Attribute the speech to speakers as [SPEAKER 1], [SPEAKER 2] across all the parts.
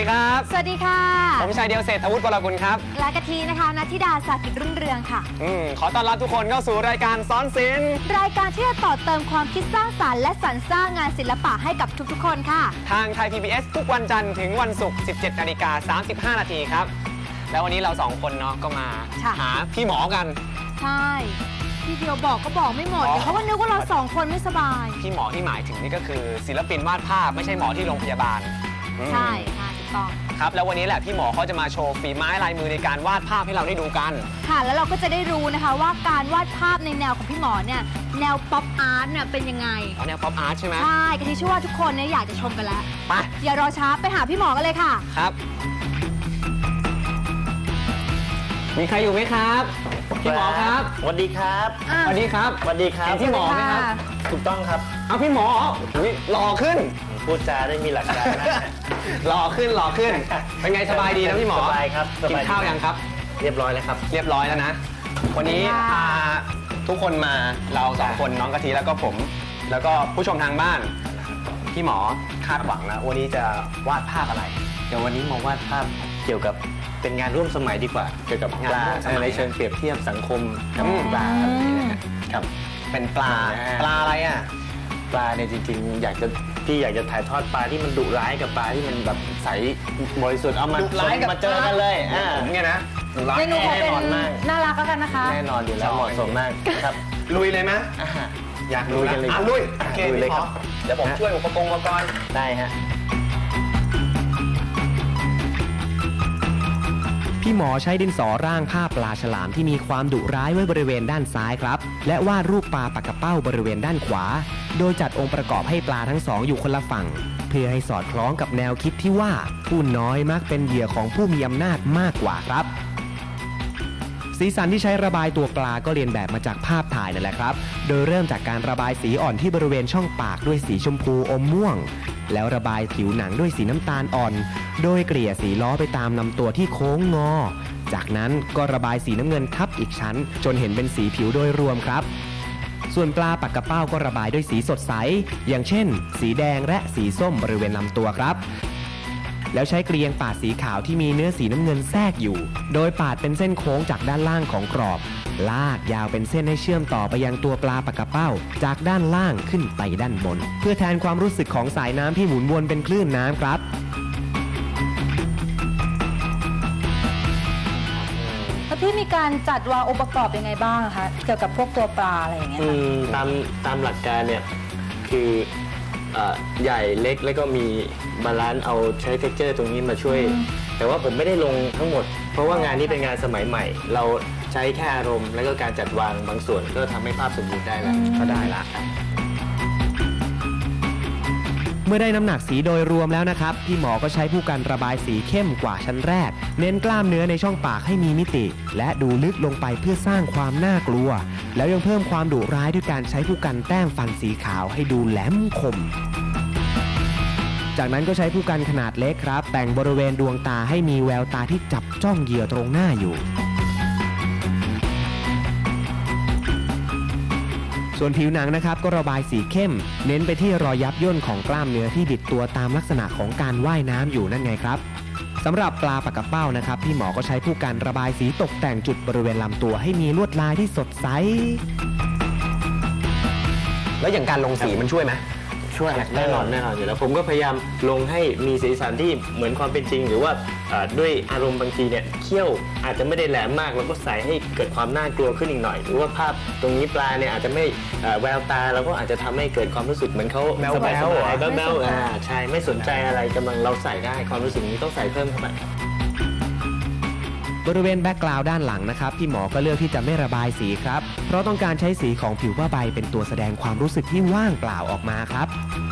[SPEAKER 1] ดีครับ
[SPEAKER 2] สวัสดีค่ะ
[SPEAKER 1] ผมชายเดียวเศรษฐวุฒิวรกุลครับ
[SPEAKER 2] และกะทินะคะณธิดา สากิจรุ่งเรืองค่ะ
[SPEAKER 1] ขอต้อนรับทุกคนเข้าสู่รายการซ้อนศิลป์
[SPEAKER 2] รายการที่จะต่อเติมความคิดสร้างสรรค์และสรรสร้างงานศิลปะให้กับทุกๆคนค่ะ
[SPEAKER 1] ทางไทย PBS ทุกวันจันทร์ถึงวันศุกร์ 17:35 นาทีครับแล้ววันนี้เรา2คนเนาะก็มาหาพี่หมอกัน
[SPEAKER 2] ใช่พี่เดียวบอกก็บอกไม่หมดเดี๋ยวเขาก็นึกว่าเรา2คนไม่สบาย
[SPEAKER 1] พี่หมอที่หมายถึงนี่ก็คือศิลปินวาดภาพไม่ใช่หมอที่โรงพยาบาล
[SPEAKER 2] ใช่ค่ะถูกต้อง
[SPEAKER 1] ครับแล้ววันนี้แหละพี่หมอเขาจะมาโชว์ฝีไม้ลายมือในการวาดภาพให้เราได้ดูกัน
[SPEAKER 2] ค่ะแล้วเราก็จะได้รู้นะคะว่าการวาดภาพในแนวของพี่หมอเนี่ยแนวป๊อปอาร์ตเนี่ยเป็นยังไง
[SPEAKER 1] แนวป๊อปอาร์ตใช่ไหม
[SPEAKER 2] ใช่กะทิเชื่อว่าทุกคนเนี่ยอยากจะชมกันแล้ว
[SPEAKER 1] ไป
[SPEAKER 2] อย่ารอช้าไปหาพี่หมอกันเลยค่ะ
[SPEAKER 1] ครับมีใครอยู่ไหมครับพี่หมอครับ
[SPEAKER 3] สวัสดีครับ
[SPEAKER 1] สวัสดีครับ
[SPEAKER 3] สวัสดีครับ
[SPEAKER 1] พี่หมอไหมครับ
[SPEAKER 3] ถูกต้องครับ
[SPEAKER 1] เอาพี่หมอหล่อขึ้น
[SPEAKER 3] พูดจาได้มีหลักการนะ
[SPEAKER 1] หล่อขึ้นเป็นไงสบายดีนะพี่หมอ
[SPEAKER 3] สบายครับ
[SPEAKER 1] กินข้าวยังครับ
[SPEAKER 3] เรียบร้อยแล้วครับ
[SPEAKER 1] เรียบร้อยแล้วนะวันนี้พาทุกคนมาเรา2คนน้องกะทิแล้วก็ผมแล้วก็ผู้ชมทางบ้านพี่หมอคาดหวังแล้ววันนี้จะวาดภาพอะไร
[SPEAKER 3] เดี๋ยววันนี้มาวาดภาพเกี่ยวกับเป็นงานร่วมสมัยดีกว่าเกี่ยวกับปลาในเชิงเปรียบเทียบสังคมกับปลาอะไรนี้นะครับ
[SPEAKER 1] เป็นปลาอะไรอ่ะ
[SPEAKER 3] ปลาเนี่ยจริงๆอยากจะถ่ายทอดปลาที่มันดุร้ายกับปลาที่มันแบบใสบริสุทธิ์เอามาเจอกันเลย
[SPEAKER 1] เนี่ยนะ
[SPEAKER 2] เมนูขอเป็นน่ารักแล้วกันนะคะ
[SPEAKER 3] แน่นอนอยู่แล้วเหมาะสมมากครับ
[SPEAKER 1] ลุยเลยไหมอยากลุยกันเลยลุยโอเคพี่หมอเดี๋ยวผมช่วยอุปกรณ์
[SPEAKER 3] ได้ฮะ
[SPEAKER 4] พี่หมอใช้ดินสอร่างภาพปลาฉลามที่มีความดุร้ายไว้บริเวณด้านซ้ายครับและวาดรูปปลาปากกระเป้าบริเวณด้านขวาโดยจัดองค์ประกอบให้ปลาทั้งสองอยู่คนละฝั่งเพื่อให้สอดคล้องกับแนวคิดที่ว่าผู้น้อยมักเป็นเหยื่อของผู้มีอำนาจมากกว่าครับสีสันที่ใช้ระบายตัวปลาก็เรียนแบบมาจากภาพถ่ายนั่นแหละครับโดยเริ่มจากการระบายสีอ่อนที่บริเวณช่องปากด้วยสีชมพูอมม่วงแล้วระบายผิวหนังด้วยสีน้ำตาลอ่อนโดยเกลี่ยสีล้อไปตามลำตัวที่โค้งงอจากนั้นก็ระบายสีน้ำเงินทับอีกชั้นจนเห็นเป็นสีผิวโดยรวมครับส่วนปลาปากกระเป้าก็ระบายด้วยสีสดใสอย่างเช่นสีแดงและสีส้มบริเวณลำตัวครับแล้วใช้เกลียงปาดสีขาวที่มีเนื้อสีน้ำเงินแทรกอยู่โดยปาดเป็นเส้นโค้งจากด้านล่างของกรอบลากยาวเป็นเส้นให้เชื่อมต่อไปยังตัวปลาปากกระเป้าจากด้านล่างขึ้นไปด้านบนเพื่อแทนความรู้สึกของสายน้ำที่หมุนวนเป็นคลื่นน้ำครับ
[SPEAKER 2] แล้วพี่มีการจัดวางองค์ประกอบยังไงบ้างคะเกี่ยวกับพวกตัวปลาอะไรอย่างเงี้ย
[SPEAKER 3] ตามหลักการเนี่ยคือใหญ่เล็กแล้วก็มีบาลานซ์เอาใช้เท็กเจอร์ตรงนี้มาช่วยแต่ว่าผมไม่ได้ลงทั้งหมดเพราะว่างานนี้เป็นงานสมัยใหม่เราใช้แค่อารมณ์แล้วก็การจัดวางบางส่วนก็ทำให้ภาพสมบูรณ์ได้แล้วก็ได้ละ
[SPEAKER 4] เมื่อได้น้ำหนักสีโดยรวมแล้วนะครับพี่หมอก็ใช้ผู้กันระบายสีเข้มกว่าชั้นแรกเน้นกล้ามเนื้อในช่องปากให้มีมิติและดูลึกลงไปเพื่อสร้างความน่ากลัวแล้วยังเพิ่มความดุร้ายด้วยการใช้ผู้กันแต้มฟันสีขาวให้ดูแหลมคมจากนั้นก็ใช้ผู้กันขนาดเล็กครับแต่งบริเวณดวงตาให้มีแววตาที่จับจ้องเหยื่อตรงหน้าอยู่ส่วนผิวหนังนะครับก็ระบายสีเข้มเน้นไปที่รอยยับย่นของกล้ามเนื้อที่บิดตัวตามลักษณะของการว่ายน้ำอยู่นั่นไงครับสำหรับปลาปากกระเป้านะครับพี่หมอก็ใช้ผู้กันระบายสีตกแต่งจุดบริเวณลำตัวให้มีลวดลายที่สดใส
[SPEAKER 1] แล้วอย่างการลงสีมันช่วยไหม
[SPEAKER 3] ช่วยแน่นอนอยู่แล้วผมก็พยายามลงให้มีสีสันที่เหมือนความเป็นจริงหรือว่าด้วยอารมณ์บางทีเนี่ยเขี้ยวอาจจะไม่ได้แหลมมากเราก็ใส่ให้เกิดความน่ากลัวขึ้นอีกหน่อยหรือว่าภาพตรงนี้ปลาเนี่ยอาจจะไม่แววตาเราก็อาจจะทำให้เกิดความรู้สึกเหมือนเขาสบายใช่ไม่สนใจอะไรกำลังเราใส่ได้ความรู้สึกนี้ต้องใส่เพิ่มเข้าไป
[SPEAKER 4] บริเวณแบ็กกราวด์ด้านหลังนะครับพี่หมอก็เลือกที่จะไม่ระบายสีครับเพราะต้องการใช้สีของผิวผ้าใบเป็นตัวแสดงความรู้สึกที่ว่างเปล่าออกมาครับ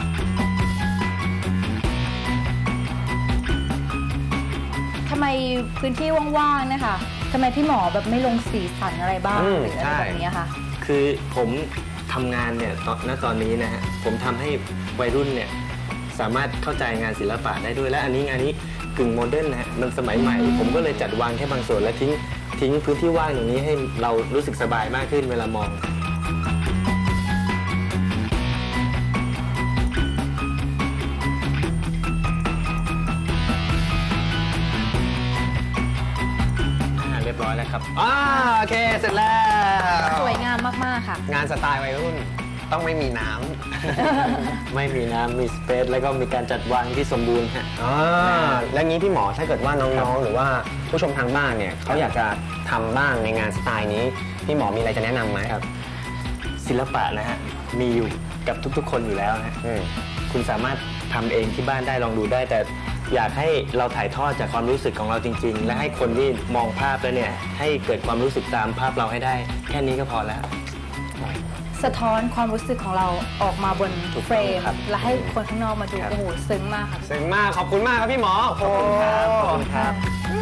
[SPEAKER 2] ทำไมพื้นที่ว่างๆนะคะทำไมพี่หมอแบบไม่ลงสีสันอะไรบ้างหรืออะไรแบบนี้คะ
[SPEAKER 3] คือผมทำงานเนี่ยตอนนี้นะฮะผมทำให้วัยรุ่นเนี่ยสามารถเข้าใจงานศิลปะได้ด้วยและอันนี้งานนี้กึ่งโมเดิร์นนะฮะมันสมัยใหม่ผมก็เลยจัดวางแค่บางส่วนและทิ้งพื้นที่ว่างตรงนี้ให้เรารู้สึกสบายมากขึ้นเวลามอง
[SPEAKER 1] พ
[SPEAKER 3] ครับ
[SPEAKER 1] โอเคเสร็จแล้ว
[SPEAKER 2] สวยงามมากๆค่ะ
[SPEAKER 1] งานสไตล์วัยรุ่นต้องไม่มีน้ำ
[SPEAKER 3] ไม่มีน้ำมีสเปซแล้วก็มีการจัดวางที่สมบูรณ์ฮะ
[SPEAKER 1] แล้วงี้พี่หมอถ้าเกิดว่าน้องๆหรือว่าผู้ชมทางบ้านเนี่ยเขาอยากจะทำบ้างในงานสไตล์นี้พี่หมอมีอะไรจะแนะนำไหมครับ
[SPEAKER 3] ศิลปะนะฮะมีอยู่กับทุกๆคนอยู่แล้วนะคุณสามารถทำเองที่บ้านได้ลองดูได้ แต่อยากให้เราถ่ายทอดจากความรู้สึกของเราจริงๆ และให้คนที่มองภาพแล้วเนี่ยให้เกิดความรู้สึกตามภาพเราให้ได้แค่นี้ก็พอแล้ว
[SPEAKER 2] สะท้อนความรู้สึกของเราออกมาบน
[SPEAKER 3] ถูก
[SPEAKER 2] เฟร
[SPEAKER 3] ต้อง
[SPEAKER 2] ม
[SPEAKER 3] ครับ
[SPEAKER 2] และให้คนข้างนอกมาดู
[SPEAKER 3] ครับ
[SPEAKER 2] โอ้โหซึ้งมากค่ะ
[SPEAKER 1] เจ๋งมากขอบคุณมากครับพี่หมอ
[SPEAKER 3] ขอบคุณครับขอบคุณครับ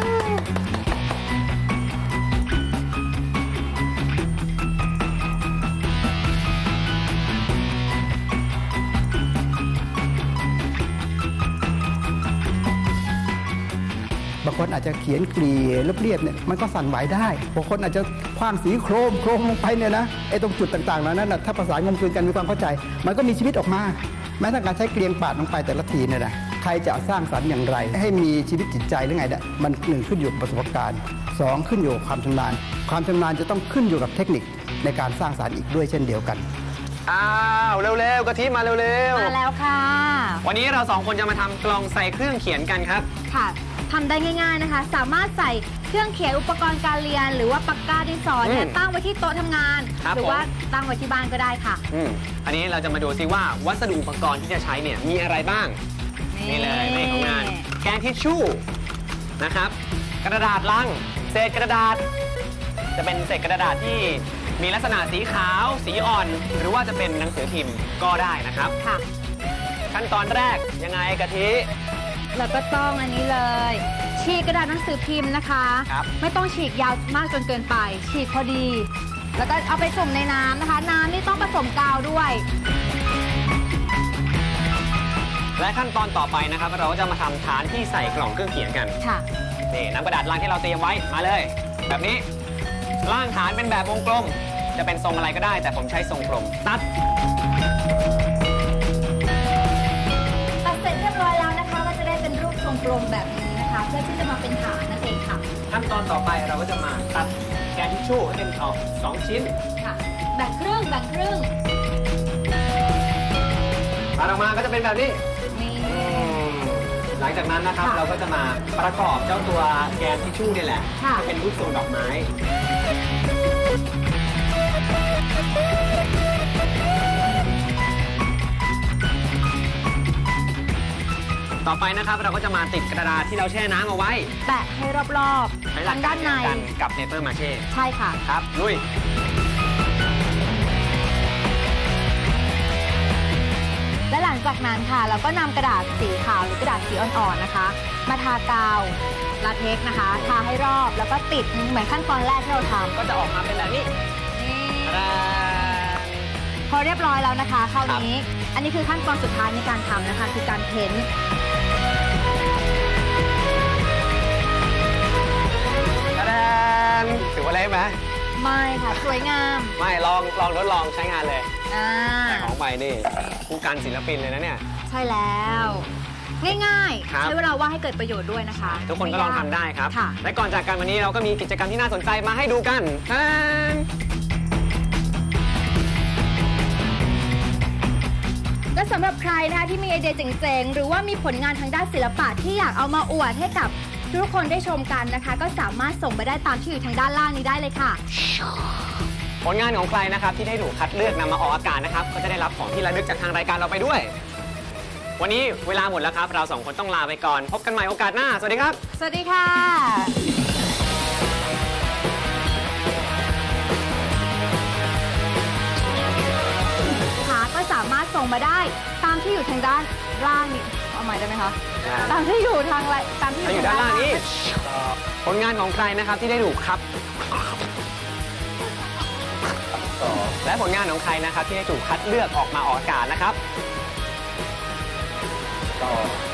[SPEAKER 5] บางคนอาจจะเขียนกรีเรียบๆเนี่ยมันก็สั่นไหวได้บางคนอาจจะคว้างสีโครมลงไปเนี่ยนะไอ้ตรงจุดต่างๆนั้นนะถ้าภาษางมกลืนกันมีความเข้าใจ มันก็มีชีวิตออกมาแม้แต่การใช้เกลียงปาดลงไปแต่ละทีเนี่ยนะใครจะสร้างสรรค์อย่างไร ให้มีชีวิตจิตใจหรือไงเนี่ยมันหนึ่งขึ้นอยู่กับประสบการณ์สองขึ้นอยู่กับความชำนาญความชำนาญจะต้องขึ้นอยู่กับเทคนิคในการสร้างสรรค์อีกด้วยเช่นเดียวกัน
[SPEAKER 1] อ้าวเร็วๆกะทิมาเร็ว
[SPEAKER 2] มาแล้วค่ะ
[SPEAKER 1] ๆวันนี้เราสองคนจะมาทำกล่องใส่เครื่องเขียนกันครับ
[SPEAKER 2] ค่ะทำได้ง่ายๆนะคะ สามารถใส่เครื่องเขียนอุปกรณ์การเรียน หรือว่าปากกาดินสอเนี่ยตั้งไว้ที่โต๊ะทำงาน
[SPEAKER 1] ครับ
[SPEAKER 2] หรือว่าตั้งไว้ที่บ้านก็ได้ค่ะ
[SPEAKER 1] อันนี้เราจะมาดูซิว่าวัสดุอุปกรณ์ที่จะใช้เนี่ยมีอะไรบ้าง นี่เลยในของงานแกนทิชชู่นะครับ กระดาษลังเศษกระดาษ จะเป็นเศษกระดาษที่มีลักษณะสีขาวสีอ่อน หรือว่าจะเป็นหนังสือพิมพ์ก็ได้นะครับ
[SPEAKER 2] ค่ะ
[SPEAKER 1] ขั้นตอนแรกยังไงกะทิ
[SPEAKER 2] แล้วก็ต้องอันนี้เลย ฉีกกระดาษหนังสือพิมพ์นะคะ
[SPEAKER 1] ครับ
[SPEAKER 2] ไม่ต้องฉีกยาวมากจนเกินไป ฉีกพอดี แล้วก็เอาไปจุ่มในน้ำนะคะ น้ำนี่ต้องผสมกาวด้วย
[SPEAKER 1] และขั้นตอนต่อไปนะครับ เราก็จะมาทำฐานที่ใส่กล่องเครื่องเขียนกัน
[SPEAKER 2] ค่ะ
[SPEAKER 1] นี่น้ำกระดาษลังที่เราเตรียมไว้มาเลย แบบนี้ล่างฐานเป็นแบบวงกลม จะเป็นทรงอะไรก็ได้ แต่ผมใช้ทรงกลมตัด
[SPEAKER 2] ตัดเสร็จเรียบร้อยแล้วนะคะก็จะได้เป็นรูปทรงกลมแบบนี้นะคะ เพื่อที่จะมาเป็นฐานนั่นเองค่ะ
[SPEAKER 1] ขั้นตอนต่อไปเราก็จะมาตัดแกนทิชชู่ให้เป็นออก2ชิ้น
[SPEAKER 2] ค่ะ แบ่งครึ่งแบ่งครึ่ง
[SPEAKER 1] ตัดออกมาก็จะเป็นแบบนี้
[SPEAKER 2] นี่
[SPEAKER 1] หลังจากนั้นนะครับ
[SPEAKER 2] ค่ะ
[SPEAKER 1] เราก็จะมาประกอบเจ้าตัวแกนทิชชู่นี่แหละ
[SPEAKER 2] ค่ะ
[SPEAKER 1] ให้เป็นรูปทรงดอกไม้ ต่อไปนะครับเราก็จะมาติดกระดาษที่เราแช่น้ำเอาไว้
[SPEAKER 2] แปะให้รอบ
[SPEAKER 1] ใช้
[SPEAKER 2] ๆ
[SPEAKER 1] หลั
[SPEAKER 2] ทาก งด้านใน
[SPEAKER 1] เดียวกันกับเปเปอร์มาเช่
[SPEAKER 2] ใช่ค่ะ
[SPEAKER 1] ครับลุย
[SPEAKER 2] และหลังจากนั้นค่ะ เราก็นำกระดาษสีขาวหรือกระดาษสีอ่อนๆนะคะ มาทากาวลาเท็กซ์นะคะ ทาให้รอบแล้วก็ติดเหมือนขั้นตอนแรกที่เราทำ
[SPEAKER 1] ก็จะออกมาเป็นแบบนี้
[SPEAKER 2] นี่
[SPEAKER 1] ตาดา
[SPEAKER 2] พอเรียบร้อยแล้วนะคะคราวนี้ อันนี้คือขั้นตอนสุดท้ายในการทำนะคะ คือการเพ้นท์
[SPEAKER 1] ตาดาถือว่าเละไหม
[SPEAKER 2] ไม่ค่ะ สวยงาม
[SPEAKER 1] ไม่ลองทดลองใช้งานเลย
[SPEAKER 2] อ่า
[SPEAKER 1] แต่ของใหม่นี่ผู้การศิลปินเลยนะเนี่ย
[SPEAKER 2] ใช่แล้ว ง่าย
[SPEAKER 1] ครับ
[SPEAKER 2] ๆ ใช้เวลาว่างให้เกิดประโยชน์ด้วยนะคะ
[SPEAKER 1] ทุกคนก็ลองทำได้ครับ
[SPEAKER 2] ค่ะ
[SPEAKER 1] และก่อนจากกันวันนี้เราก็มีกิจกรรมที่น่าสนใจมาให้ดูกันท่าน
[SPEAKER 2] และสำหรับใครนะคะที่มีไอเดียเจ๋งๆ หรือว่ามีผลงานทางด้านศิลปะที่อยากเอามาอวดให้กับทุกคนได้ชมกันนะคะ ก็สามารถส่งมาได้ตามที่อยู่ทางด้านล่างนี้ได้เลยค่ะ
[SPEAKER 1] ผลงานของใครนะครับที่ได้ถูกคัดเลือกนำมาออกอากาศนะครับก็จะได้รับของที่ระลึกจากทางรายการเราไปด้วย วันนี้เวลาหมดแล้วครับ เราสองคนต้องลาไปก่อน พบกันใหม่โอกาสหน้า สวัสดีครับ
[SPEAKER 2] สวัสดีค่ะก็สามารถส่งมาได้ตามที่อยู่ทางด้านล่างนี้เอาใหม่ได้ไหมคะ
[SPEAKER 1] ได้
[SPEAKER 2] ตามที่อยู่ทางตามที่
[SPEAKER 1] ถ้าอยู่ด้านล่างนี้ผลงานของใครนะครับที่ได้ถูกครับ และผลงานของใครนะครับที่ได้ถูกคัดเลือกออกมาออกอากาศนะครับ